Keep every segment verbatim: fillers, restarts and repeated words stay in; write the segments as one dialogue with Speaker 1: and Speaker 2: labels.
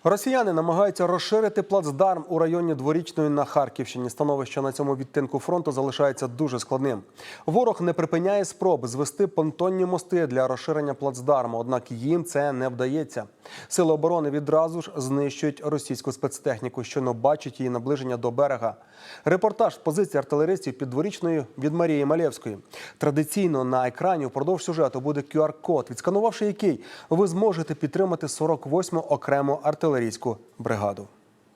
Speaker 1: Росіяни намагаються розширити плацдарм у районі Дворічної на Харківщині. Становище на цьому відтинку фронту залишається дуже складним. Ворог не припиняє спроб звести понтонні мости для розширення плацдарму, однак їм це не вдається. Сили оборони відразу ж знищують російську спецтехніку, що не бачить її наближення до берега. Репортаж з позиції артилеристів під Дворічною від Марії Малєвської. Традиційно на екрані впродовж сюжету буде ку ар код, відсканувавши який ви зможете підтримати сорок восьму окрему артилерійську бригаду.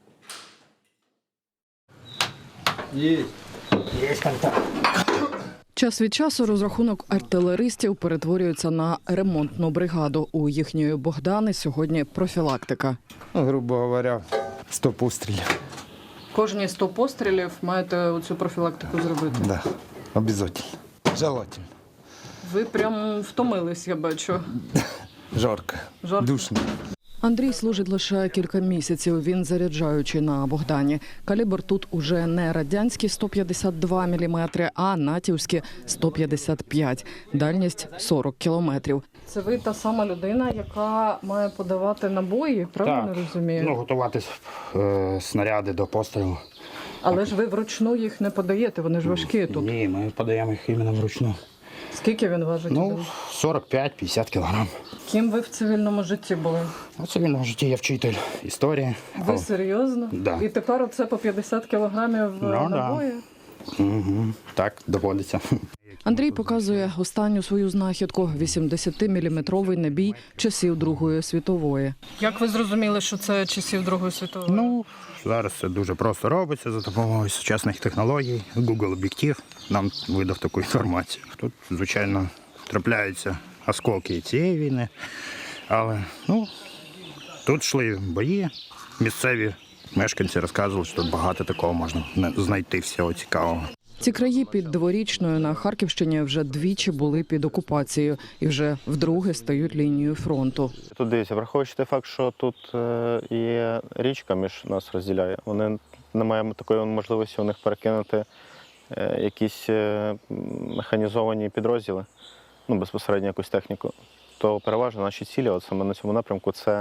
Speaker 2: Є. Є контакт.
Speaker 3: Час від часу розрахунок артилеристів перетворюється на ремонтну бригаду. У їхньої Богдани сьогодні профілактика.
Speaker 2: Ну, грубо говоря, сто пострілів.
Speaker 3: Кожні сто пострілів маєте оцю профілактику зробити?
Speaker 2: Да, обов'язково. Желательно.
Speaker 3: Ви прям втомились, я бачу.
Speaker 2: Жарко,
Speaker 3: Жарко.
Speaker 2: душно.
Speaker 3: Андрій служить лише кілька місяців. Він заряджаючий на Богдані. Калібр тут уже не радянські сто п'ятдесят два міліметри, а натівські сто п'ятдесят п'ять. Дальність сорок кілометрів. Це ви та сама людина, яка має подавати набої, правильно
Speaker 4: Так.
Speaker 3: розумію?
Speaker 4: Ну, готувати е, снаряди до пострілу.
Speaker 3: Але ж ви вручну їх не подаєте, вони ж важкі тут.
Speaker 4: Ні, ми подаємо їх іменно вручну.
Speaker 3: Скільки він важить?
Speaker 4: Ну, сорок п'ять - п'ятдесят кілограм.
Speaker 3: Ким ви в цивільному житті були?
Speaker 4: У цивільному житті я вчитель історії.
Speaker 3: Ви
Speaker 4: А-
Speaker 3: серйозно?
Speaker 4: Да.
Speaker 3: І тепер оце по п'ятдесят кілограмів
Speaker 4: Ну, да.
Speaker 3: набої?
Speaker 4: Угу. Так, доводиться.
Speaker 3: Андрій показує останню свою знахідку – вісімдесятиміліметровий набій часів Другої світової. Як ви зрозуміли, що це часів Другої світової?
Speaker 4: Ну, зараз це дуже просто робиться за допомогою сучасних технологій. Google об'єктив нам видав таку інформацію. Тут, звичайно, трапляються осколки і цієї війни, але ну, тут йшли бої. Місцеві мешканці розказували, що тут багато такого можна знайти всього цікавого.
Speaker 3: Ці краї під Дворічною на Харківщині вже двічі були під окупацією і вже вдруге стають лінією фронту.
Speaker 5: Тут дивіться, враховуючи той факт, що тут є річка між нас розділяє, вони не маємо такої можливості у них перекинути якісь механізовані підрозділи, ну безпосередньо якусь техніку, то переважно наші цілі, от саме на цьому напрямку, це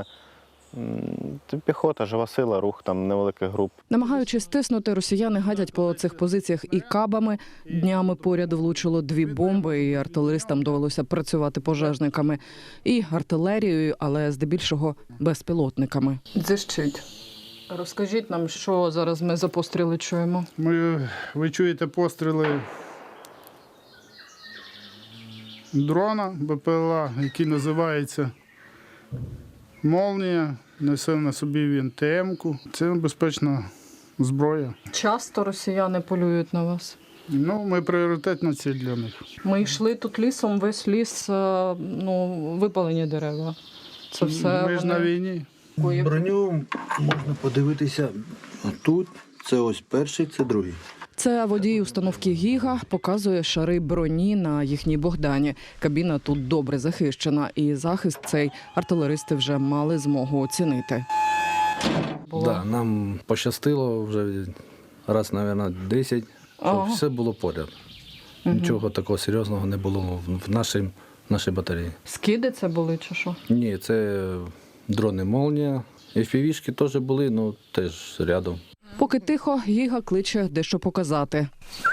Speaker 5: піхота, жива сила, рух там невеликих груп.
Speaker 3: Намагаючись стиснути, росіяни гадять по цих позиціях і кабами. Днями поряд влучило дві бомби, і артилеристам довелося працювати пожежниками. І артилерією, але здебільшого безпілотниками. Дзищить. Розкажіть нам, що зараз ми за постріли чуємо.
Speaker 6: Ми, ви чуєте постріли дрона Б П Л А, який називається «Молнія». Несе на собі він Т М-ку. Це небезпечна зброя.
Speaker 3: Часто росіяни полюють на вас?
Speaker 6: Ну, ми пріоритетна ціль для них.
Speaker 3: Ми йшли тут лісом, весь ліс, ну, випалені дерева. Це все
Speaker 6: Ми ж
Speaker 3: вони...
Speaker 6: на війні.
Speaker 7: Броню можна подивитися тут. Це ось перший, це другий.
Speaker 3: Це водій установки «Гіга» показує шари броні на їхній Богдані. Кабіна тут добре захищена, і захист цей артилеристи вже мали змогу оцінити.
Speaker 8: Да, нам пощастило вже раз, мабуть, десять, щоб
Speaker 3: Ага.
Speaker 8: все було поряд.
Speaker 3: Угу.
Speaker 8: Нічого такого серйозного не було в нашій, в нашій батареї.
Speaker 3: Скиди це були чи що?
Speaker 8: Ні, це дрони «Молнія». еф пі ві-шки теж були, ну теж рядом.
Speaker 3: Поки тихо, «Гіга» кличе дещо показати.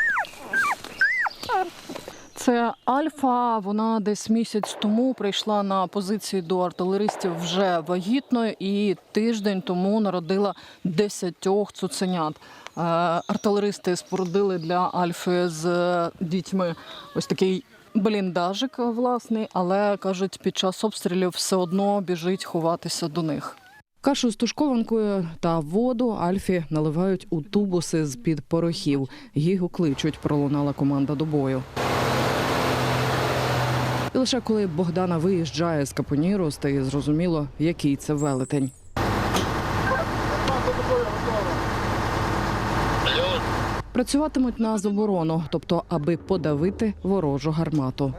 Speaker 3: Це Альфа, вона десь місяць тому прийшла на позиції до артилеристів вже вагітною і тиждень тому народила десятьох цуценят. Е, Артилеристи спорудили для Альфи з дітьми ось такий бліндажик власний, але, кажуть, під час обстрілів все одно біжить ховатися до них. Кашу з тушкованкою та воду Альфі наливають у тубуси з-під порохів. Гігу кличуть, пролунала команда до бою. І лише коли Богдана виїжджає з капоніру, стає зрозуміло, який це велетень. Працюватимуть на заборону, тобто аби подавити ворожу гармату.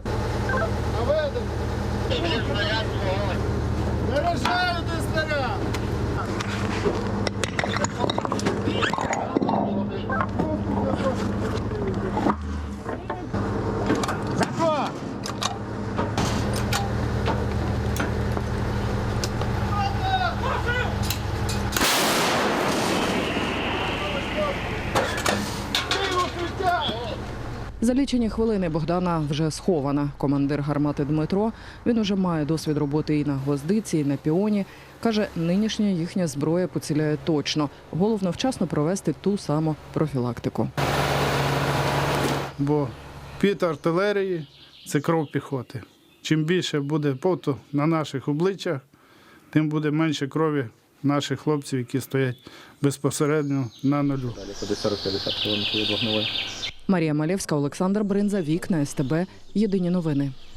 Speaker 3: За лічені хвилини Богдана вже схована. Командир гармати Дмитро, він уже має досвід роботи і на гвоздиці, і на піоні. Каже, нинішня їхня зброя поціляє точно. Головно вчасно провести ту саму профілактику.
Speaker 6: Бо під артилерії – це кров піхоти. Чим більше буде поту на наших обличчях, тим буде менше крові наших хлопців, які стоять безпосередньо на нулю.
Speaker 3: Марія Малєвська, Олександр Бринза, Вікна, СТБ. Єдині новини.